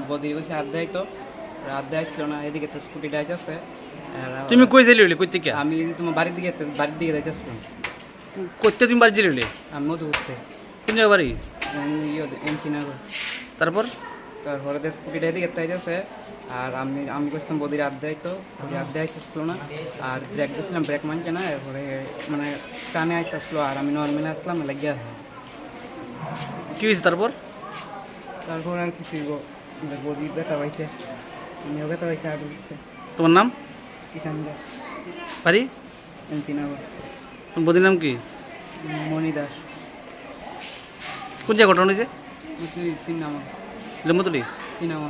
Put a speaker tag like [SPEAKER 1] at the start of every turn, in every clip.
[SPEAKER 1] বদি বসে আড্ডায় তো আড্ডা আসছিল না, এদিকে তো স্কুটিটা আছে।
[SPEAKER 2] তুমি কই যাইলি কই থেকে?
[SPEAKER 1] আমি তোমার বাড়ির দিকে যাইতেছিলাম।
[SPEAKER 2] কইতে তুমি বাড়ি যাইলি?
[SPEAKER 1] আমি মধু উঠতে
[SPEAKER 2] কোন জায়গা বাড়ি?
[SPEAKER 1] এমকিনগর।
[SPEAKER 2] তারপর
[SPEAKER 1] তারপরে তো স্কুটিটা এদিকে তাইতেছে, আর আমি করছিলাম বদির আড্ডায়, তো বদির আড্ডায় আসতেছিল না, আর ব্রেক দিয়েছিলাম, ব্রেক মানছে না, এরপরে মানে টানে আসতেছিল, আর আমি নর্মালি আসলাম লাগিয়া।
[SPEAKER 2] কি হয়েছে তারপর?
[SPEAKER 1] তারপর আর কিছু বদি ব্যথা পাইছে, আমিও ব্যথা পাইছে আগে।
[SPEAKER 2] তোমার নাম?
[SPEAKER 1] কিষানগর,
[SPEAKER 2] বাড়ি?
[SPEAKER 1] এমকিনগর।
[SPEAKER 2] তোমার বদির নাম কি?
[SPEAKER 1] মণি দাস।
[SPEAKER 2] কোন জায়গা ঘটনা হয়েছে?
[SPEAKER 1] সিনেমা
[SPEAKER 2] লেমতুলি?
[SPEAKER 1] সিনেমা।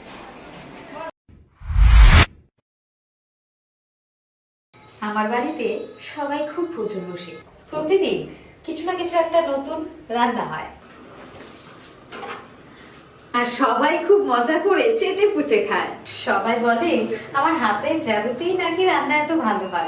[SPEAKER 3] আমার বাড়িতে সবাই খুব প্রচুর বসে, প্রতিদিন কিছু না কিছু একটা নতুন রান্না হয়, আর সবাই খুব মজা করে চেটে পুটে খায়। সবাই বলে আমার হাতের জাদুতেই নাকি রান্না এত ভালো হয়।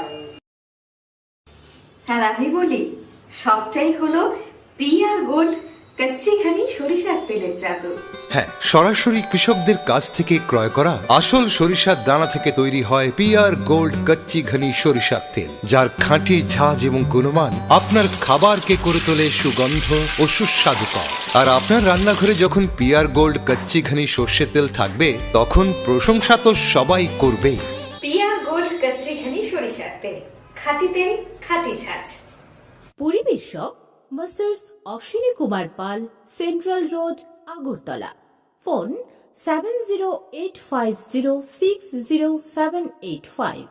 [SPEAKER 3] আর আমি বলি সবটাই হলো পিআর গোল্ড কচ্চি ঘানি সরিষার তেলের জাদু।
[SPEAKER 4] হ্যাঁ, সরাসরি কৃষকদের কাছ থেকে ক্রয় করা আসল সরিষার দানা থেকে তৈরি হয় পিআর গোল্ড কচ্চি ঘনি সরিষার তেল, যার খাঁটি ঝাঁজ এবং গুণমান আপনার খাবারকে করে তোলে সুগন্ধ ও সুস্বাদুকর। আর আপনার রান্নাঘরে যখন পিআর গোল্ড কচ্চি ঘনি সর্ষের তেল থাকবে, তখন প্রশংসা তো সবাই করবে।
[SPEAKER 3] পিআর গোল্ড কচ্চি ঘানি সরিষার তেল, খাঁটি তেল, খাঁটি ছাঁচ।
[SPEAKER 5] পরিবেশক masters Ashwini Kumar Pal, central road, Agartala. Phone 7085060785।